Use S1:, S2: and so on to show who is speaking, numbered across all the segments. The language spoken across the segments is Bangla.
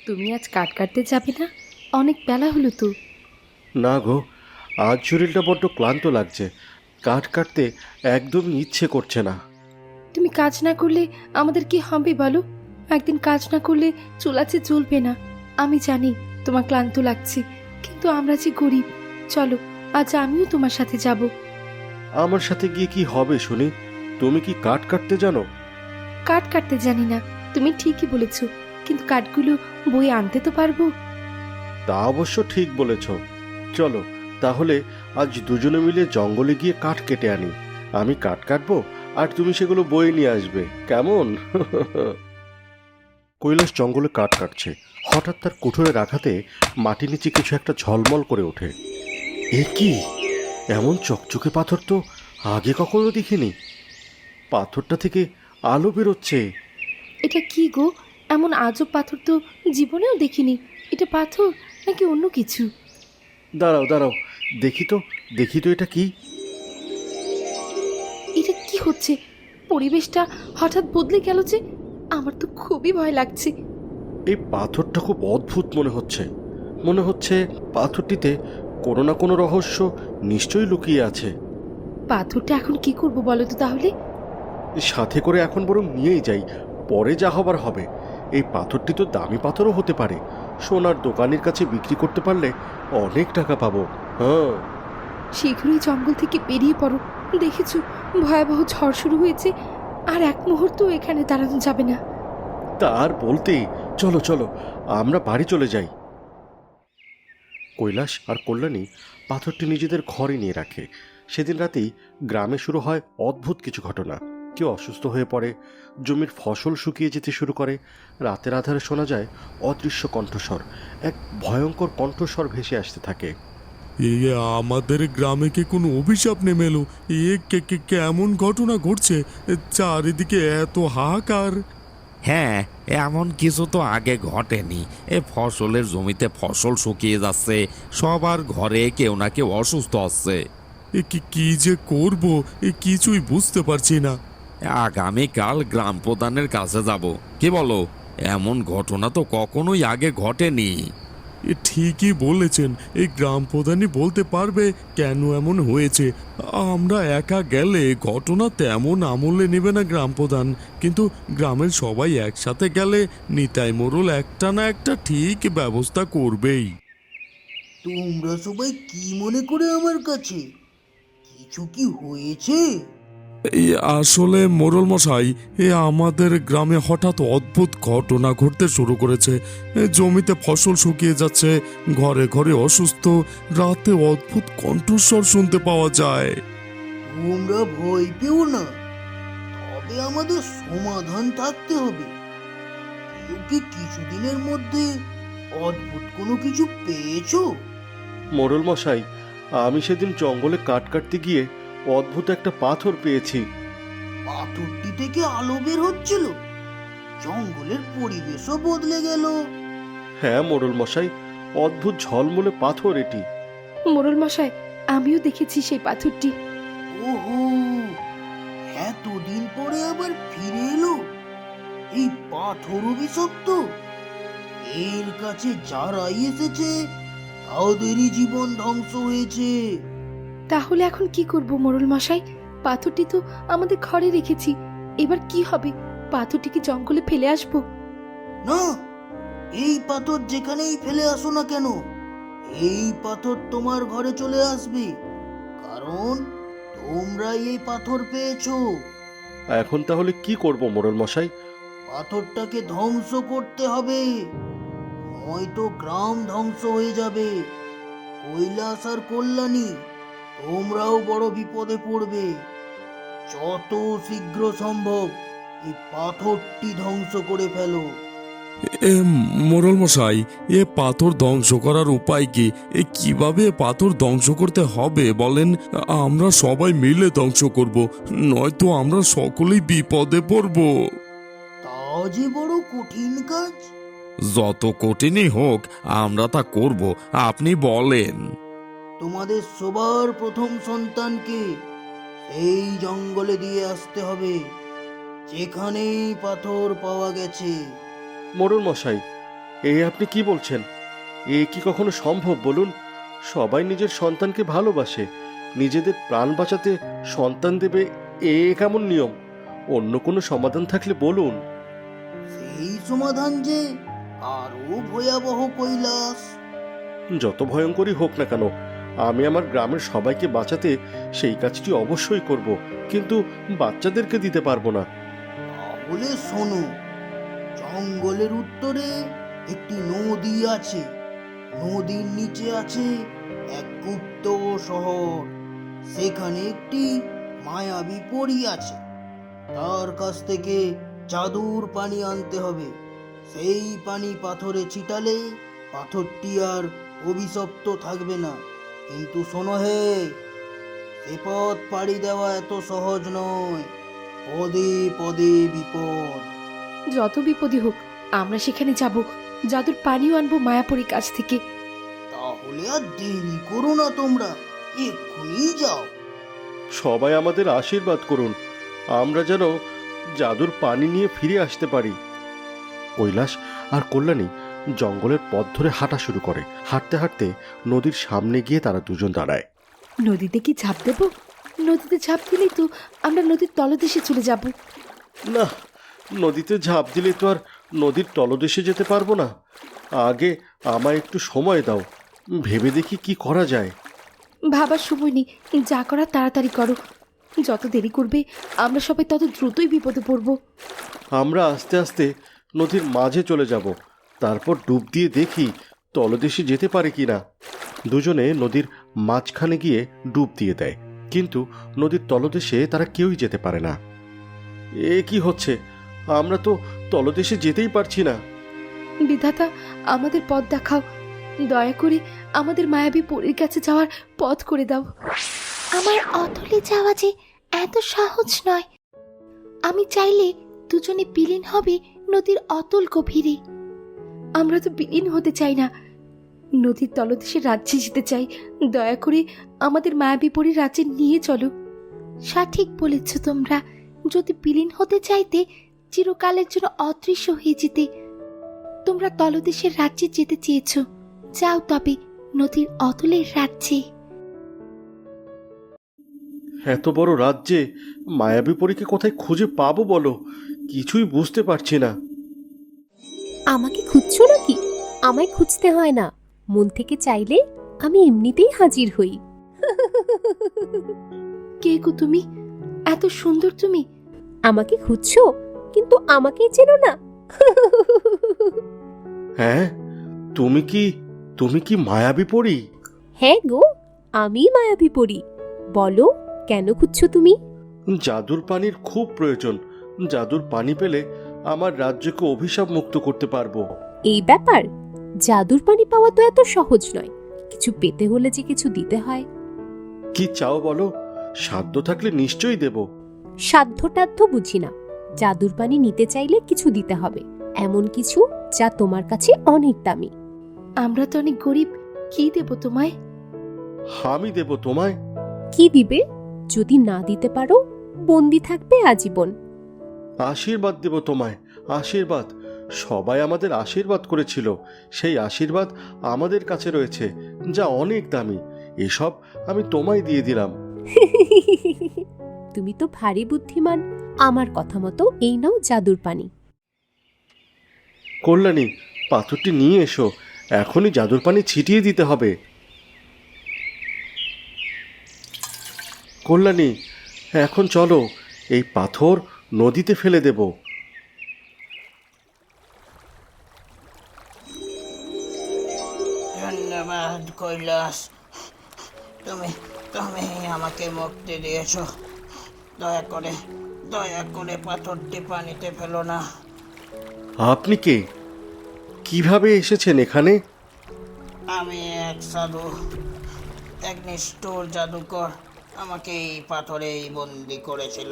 S1: তুমি আজ কাঠ কাটতে যাবে না? অনেক বেলা হলো তো।
S2: না গো, আজ শরীরটা বড্ড ক্লান্ত লাগছে। কাঠ কাটতে একদমই ইচ্ছে করছে না।
S1: তুমি কাজ না করলে আমাদের কি হবে বলো? একদিন কাজ না করলে চুলাচে চলবে না। আমি জানি তোমার ক্লান্ত লাগছে, কিন্তু আমরা যে গরিব। চলো, আজ আমিও তোমার সাথে যাব।
S2: আমার সাথে গিয়ে কি হবে শুনি? তুমি কি কাঠ কাটতে জানো?
S1: কাঠ কাটতে জানি না, তুমি ঠিকই বলেছ, কিন্তু কাঠগুলো বয়ে আনতে তো পারবো।
S2: তা অবশ্য ঠিক বলেছ। চলো তাহলে আজ দুজনে মিলে জঙ্গলে গিয়ে কাঠ কেটে আনি। আমি কাঠ কাটবো আর তুমি সেগুলো বয়ে নিয়ে আসবে, কেমন? কৈলাস জঙ্গলে কাঠ কাটছে। হঠাৎ তার কুঠোরের আঘাতে মাটি নিচে কিছু একটা ঝলমল করে ওঠে। এ কি? এমন চকচকে পাথর তো আগে কখনো দেখিনি। পাথরটা থেকে আলো বেরোচ্ছে।
S1: এটা কি গো? এমন আজব পাথর তো জীবনেও দেখিনি। এটা পাথর নাকি অন্য কিছু?
S2: দাঁড়াও দাঁড়াও, দেখি তো, দেখি তো এটা কি।
S1: এটা কি হচ্ছে? পরিবেশটা হঠাৎ বদলে গেল যে। আমার তো খুবই ভয় লাগছে।
S2: এই পাথরটা খুব অদ্ভুত মনে হচ্ছে। মনে হচ্ছে পাথরটিতে কোনো না কোনো রহস্য নিশ্চয়ই লুকিয়ে আছে।
S1: পাথরটা এখন কি করব বলো তো তাহলে?
S2: সাথে করে এখন বরং নিয়েই যাই, পরে যা হবার হবে। এই পাথরটি তো দামি পাথরও হতে পারে। সোনার দোকানের কাছে বিক্রি করতে পারলে অনেক টাকা পাবো। হ্যাঁ।
S1: শীঘ্রই জঙ্গল থেকে বেরিয়ে পড়ো। দেখেছো, ভয়াবহ ঝড় শুরু হয়েছে। আর এক মুহূর্ত এখানে দাঁড়ানো যাবে না।
S2: তার বলতে, চলো চলো আমরা বাড়ি চলে যাই। কৈলাস আর কল্যাণী পাথরটি নিজেদের ঘরে নিয়ে রাখে। সেদিন রাতেই গ্রামে শুরু হয় অদ্ভুত কিছু ঘটনা। কেউ অসুস্থ হয়ে পড়ে, জমির ফসল শুকিয়ে যেতে শুরু করে। রাতের আধারে শোনা যায় অদৃশ্য কণ্ঠস্বর। এক ভয়ঙ্কর কণ্ঠস্বর ভেসে আসতে থাকে।
S3: এ আমাদের গ্রামে কি কোনো অভিশাপ নেমে এলো? কেমন ঘটনা ঘটছে? চারিদিকে এত হাহাকার।
S4: হ্যাঁ, এমন কিছু তো আগে ঘটেনি। ফসলের জমিতে ফসল শুকিয়ে যাচ্ছে, সবার ঘরে কেউ না কেউ অসুস্থ হচ্ছে।
S3: কি যে করব, কিছুই বুঝতে পারছি না।
S4: আগামীকাল গ্রাম প্রধানের কাছে যাব, কি বলো? এমন ঘটনা তো কখনোই আগে ঘটেনি।
S3: ঠিকই বলেছেন, এই গ্রাম প্রধানই বলতে পারবে কেন এমন হয়েছে। আমরা একা গেলে ঘটনা তেমন আমলে নেবে না গ্রাম প্রধান, কিন্তু গ্রামের সবাই একসাথে গেলে নিতাই মোড়ল একটা না একটা ঠিক ব্যবস্থা করবেই।
S5: তোমরা সবাই কি মনে করে আমার কাছে? কিছু কি হয়েছে?
S3: এই আসলে মোড়ল মশাই, আমাদের গ্রামে হঠাৎ অদ্ভুত ঘটনা ঘটতে শুরু করেছে। জমিতে ফসল শুকিয়ে যাচ্ছে, ঘরে ঘরে অসুস্থ, রাতে অদ্ভুত কণ্ঠস্বর শুনতে পাওয়া যায়।
S5: তোমরা ভয় পেও না, তবে আমাদের সমাধান থাকতে হবে। কেউ কি কিছুদিনের মধ্যে অদ্ভুত কোনো কিছু পেয়েছো?
S2: মোড়ল মশাই, আমি সেদিন জঙ্গলে কাঠ কাটতে গিয়ে অদ্ভুত একটা পাথর পেয়েছি।
S5: পাথরটি থেকে আলো বের হচ্ছিল, জঙ্গলের পরিবেশও বদলে গেল।
S2: হ্যাঁ মোড়ল মশাই, অদ্ভুত ঝলমলে পাথর এটি।
S1: মোড়ল মশাই, আমিও দেখেছি সেই পাথরটি।
S5: ওহো, এতদিন পরে আবার ফিরে এলো এই পাথর অভিশপ্ত। এর কাছে যারাই এসেছে তাদেরই জীবন ধ্বংস হয়েছে।
S1: তাহলে এখন কি করব মোড়ল মশাই? পাথরটি তো আমাদের ঘরে রেখেছি। এবার কি হবে? পাথরটি কি জঙ্গলে ফেলে আসবো?
S5: না, এই পাথর যেখানেই ফেলে আসো না কেন, এই পাথর তোমার ঘরে চলে আসবে, কারণ তোমরাই এই পাথর পেয়েছো।
S2: এখন তাহলে কি করব মোড়ল মশাই?
S5: পাথরটাকে ধ্বংস করতে হবে, নয়তো গ্রাম ধ্বংস হয়ে যাবে। কৈলাস আর কল্যাণী, তোমরাও বড় বিপদে পড়বে। যত শীঘ্র সম্ভব এই পাথরটি ধ্বংস করে ফেলো।
S3: এ মোড়ল মশাই, পাথর ধ্বংস করার উপায় কি? কিভাবে পাথর ধ্বংস করতে হবে বলেন? আমরা সবাই মিলে ধ্বংস করব, নয়তো আমরা সকলেই বিপদে পড়ব।
S5: তা যে বড় কঠিন কাজ।
S4: যত কঠিনই হোক, আমরা তা করব, আপনি বলেন।
S5: তোমাদের সবার প্রথম সন্তানকে এই জঙ্গলে দিয়ে আসতে হবে, যেখানেই পাথর পাওয়া গেছে।
S2: মোড়ল মশাই, আপনি কি বলছেন? এ কি কখনো সম্ভব বলুন? সবাই নিজের সন্তানকে ভালোবাসে, নিজেদের প্রাণ বাঁচাতে সন্তান দেবে, এ কেমন নিয়ম? অন্য কোনো সমাধান থাকলে বলুন।
S5: সেই সমাধান যে আরো ভয়াবহ, কৈলাস।
S2: যত ভয়ঙ্করই হোক না কেন, আমি আমার গ্রামের সবাইকে বাঁচাতে সেই কাজটি অবশ্যই করব, কিন্তু বাচ্চাদেরকে দিতে পারবো না।
S5: তাহলে শোনো, জঙ্গলের উত্তরে একটি নদী আছে। নদীর নিচে আছে এক গুপ্ত শহর। সেখানে একটি মায়াবী পরী আছে। তার কাছ থেকে জাদুর পানি আনতে হবে। সেই পানি পাথরে ছিটালে পাথরটি আর অভিশপ্ত থাকবে না। কিন্তু শোনো হে, সে পথ পাড়ি দেওয়া এত সহজ নয়। পদে পদে বিপদ।
S1: যত বিপদই হোক আমরা সেখানে যাব, জাদুর পানিও আনবো মায়াপুরীর কাছ থেকে।
S5: তাহলে আর দেরি করো না, তোমরা এক্ষুনি যাও।
S2: সবাই আমাদের আশীর্বাদ করুন, আমরা যেন জাদুর পানি নিয়ে ফিরে আসতে পারি। কৈলাস আর কল্যাণী জঙ্গলের পথ ধরে হাঁটা শুরু করে। হাঁটতে হাঁটতে নদীর সামনে গিয়ে তারা দুজন দাঁড়ায়।
S1: নদীতে কি ঝাঁপ দেব? নদীতে ঝাঁপ দিলেই তো আমরা নদীর তলদেশে চলে যাব।
S2: না, নদীতে ঝাঁপ দিলে তো আর নদীর তলদেশে যেতে পারবো না। আগে আমায় একটু সময় দাও, ভেবে দেখি কি করা যায়।
S1: ভাবার সময় নেই, যা করার তাড়াতাড়ি করো। যত দেরি করবে আমরা সবাই তত দ্রুতই বিপদে পড়ব।
S2: আমরা আস্তে আস্তে নদীর মাঝে চলে যাব, তারপর ডুব দিয়ে দেখি তলদেশে যেতে পারে কি না। দুজনে নদীর মাঝখানে গিয়ে ডুব দিয়ে দেয়, কিন্তু নদীর তলদেশে তারা কেউই যেতে পারে না। এ কি হচ্ছে? আমরা তো তলদেশে যেতেই পারছি না।
S1: বিধাতা, আমাদের পথ দেখাও। দয়া করে আমাদের মায়াবী পরীর কাছে যাওয়ার পথ করে দাও। আমার অতলে যাওয়া যে এত সহজ নয়। আমি চাইলে দুজনে বিলীন হবে নদীর অতল গভীরে। আমরা তো বিলীন হতে চাই না, নদীর তলদেশে রাজ্যে যেতে চাই। দয়া করে আমাদের মায়াবী পরীর রাজ্যে নিয়ে চলো। সঠিক বলেছ তোমরা। যদি বিলীন হতে চাইতে, চিরকালের জন্য অদৃশ্য হয়ে যেতে। তোমরা তলদেশের রাজ্যে যেতে চেয়েছ, যাও তবে নদীর অতলের রাজ্যে।
S2: এত বড় রাজ্যে মায়াবী পরীকে কোথায় খুঁজে পাবো বলো? কিছুই বুঝতে পারছি না।
S6: আমাকে খুঁজছো নাকি? আমায় খুঁজতে হয় না, মন থেকে চাইলে আমি এমনিতেই হাজির হই।
S1: কে গো তুমি? এত সুন্দর তুমি।
S6: আমাকে খুঁজছো, কিন্তু আমাকেই চেনো না।
S2: হ্যাঁ, তুমি কি মায়াবী পরী?
S6: হ্যাঁ গো, আমি মায়াবী পরী। বলো, কেন খুঁজছো তুমি?
S2: জাদুর পানির খুব প্রয়োজন। জাদুর পানি পেলে আমার রাজ্যকে অভিশাপ মুক্ত করতে পারবো।
S6: এই ব্যাপার, জাদুর পানি পাওয়া তো এত সহজ নয়। কিছু পেতে হলে যে কিছু দিতে হয়।
S2: কি চাও বলো, সাধ্য থাকলে নিশ্চয়ই দেব।
S6: সাধ্যটাধ্য বুঝি না। জাদুর পানি নিতে চাইলে কিছু দিতে হবে, এমন কিছু যা তোমার কাছে অনেক দামি।
S1: আমরা তো অনেক গরিব, কি দেব তোমায়?
S2: আমি দেব তোমায়।
S6: কি দিবে? যদি না দিতে পারো, বন্দি থাকবে আজীবন।
S2: আশীর্বাদ দেব তোমায়, আশীর্বাদ। সবাই আমাদের আশীর্বাদ করেছিল, সেই আশীর্বাদ আমাদের কাছে রয়েছে, যা অনেক দামি। এসব আমি তোমায় দিয়ে দিলাম।
S6: তুমি তো ভারী বুদ্ধিমান। আমার কথা মতো এই নাও জাদুর পানি।
S2: কল্যাণী, পাথরটি নিয়ে এসো, এখনই জাদুর পানি ছিটিয়ে দিতে হবে। কল্যাণী, এখন চলো, এই পাথর নদীতে ফেলে দেব।
S5: ধন্যবাদ কৈলাস, তুমি তুমি আমাকে মুক্তি দিয়েছ। দয়া করে পাথরটি পানিতে ফেলো না।
S2: আপনি কে? কিভাবে এসেছেন এখানে?
S5: আমি এক সাধু, এক নিষ্ঠুর জাদুকর আমাকে এই পাথরেই বন্দি করেছিল।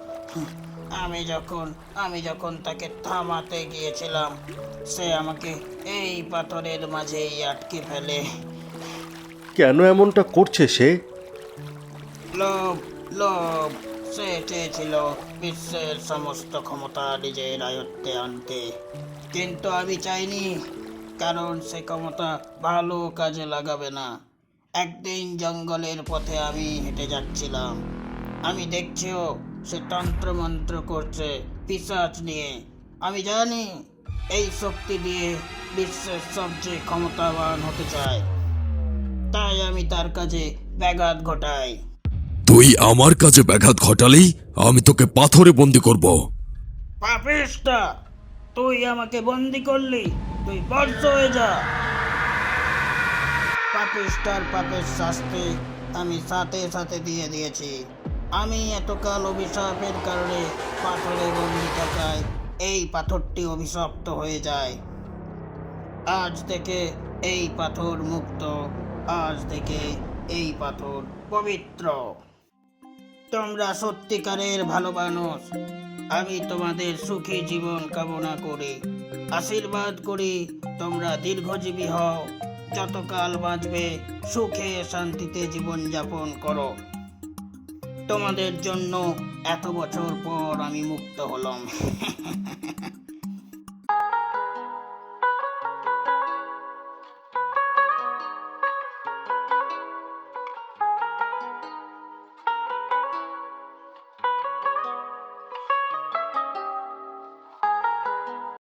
S5: আমি যখন তাকে থামাতে গিয়েছিলাম, সে আমাকে এই পাথরের মাঝেই আটকে ফেলে।
S2: কেন এমনটা করছে সে?
S5: লোভ, লোভ। সে চেয়েছিল বিশ্বের সমস্ত ক্ষমতা নিজের আয়ত্তে আনতে, কিন্তু আমি চাইনি।
S7: কারণ সে ক্ষমতা ভালো কাজে লাগাবে না। একদিন জঙ্গলের পথে আমি হেঁটে যাচ্ছিলাম, আমি দেখছিও সে তন্ত্রমন্ত্র করছে পিশাচ নিয়ে। আমি জানি এই শক্তি দিয়ে বিশ্বের সবচেয়ে ক্ষমতাবান হতে চায়, তাই আমি তার কাজে ব্যাঘাত ঘটাই।
S3: তুই আমার কাছে ব্যাঘাত ঘটালেই আমি তোকে পাথরে বন্দি করব।
S7: পাপিষ্টা, তুই আমাকে বন্দি করলি, তুই বর্ষ হয়ে যা। পাপিষ্টার পাপের শাস্তি আমি সাথে সাথে দিয়ে দিয়েছি। আমি এতকাল অভিশাপের কারণে পাথরে বন্দি থাকায় এই পাথরটি অভিশপ্ত হয়ে যায়। আজ থেকে এই পাথর মুক্ত, আজ থেকে এই পাথর পবিত্র। তোমরা সত্যিকারের ভালো মানুষ। আমি তোমাদের সুখী জীবন কামনা করি, আশীর্বাদ করি তোমরা দীর্ঘজীবী হও, যতকাল বাঁচবে সুখে শান্তিতে জীবন যাপন করো। তোমাদের জন্য এত বছর পর আমি মুক্ত হলাম।